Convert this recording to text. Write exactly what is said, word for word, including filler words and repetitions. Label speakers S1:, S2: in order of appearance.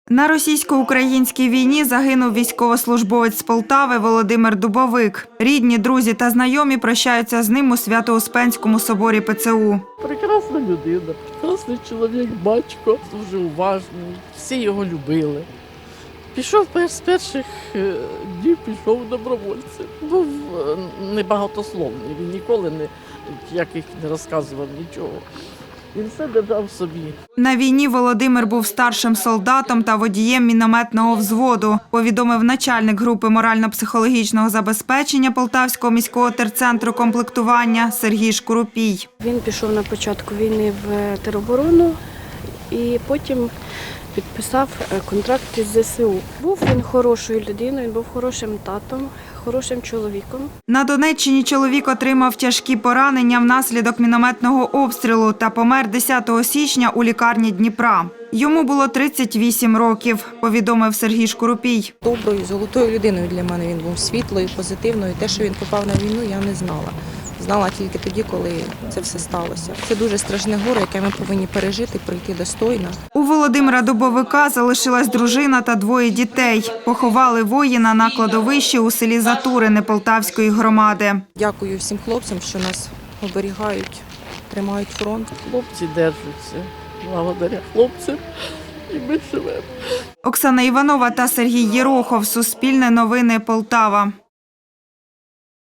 S1: На російсько-українській війні загинув військовослужбовець з Полтави Володимир Дубовик. Рідні, друзі та знайомі прощаються з ним у Свято-Успенському соборі Пе Це У.
S2: Прекрасна людина, прекрасний чоловік, батько, дуже уважний, всі його любили. Пішов з перших днів, пішов добровольцем. Був небагатословний, він ніколи не, ніяких не розказував нічого. Він все держав собі.
S1: На війні Володимир був старшим солдатом та водієм мінометного взводу, повідомив начальник групи морально-психологічного забезпечення Полтавського міського терцентру комплектування Сергій Шкурупій.
S3: Він пішов на початку війни в тероборону і потім підписав контракт із Зе Се У. Був він хорошою людиною, він був хорошим татом, хорошим чоловіком.
S1: На Донеччині чоловік отримав тяжкі поранення внаслідок мінометного обстрілу та помер десятого січня у лікарні Дніпра. Йому було тридцять вісім років, повідомив Сергій Шкурупій.
S4: Доброю, золотою людиною для мене він був, світлою, позитивною. Те, що він попав на війну, я не знала. Знала тільки тоді, коли це все сталося. Це дуже страшне горе, яке ми повинні пережити, пройти достойно.
S1: У Володимира Дубовика залишилась дружина та двоє дітей. Поховали воїна на кладовищі у селі Затурине Полтавської громади.
S4: Дякую всім хлопцям, що нас оберігають, тримають фронт.
S2: Хлопці держаться, благодаря хлопцям, і ми живемо.
S1: Оксана Іванова та Сергій Єрохов. Суспільне новини Полтава.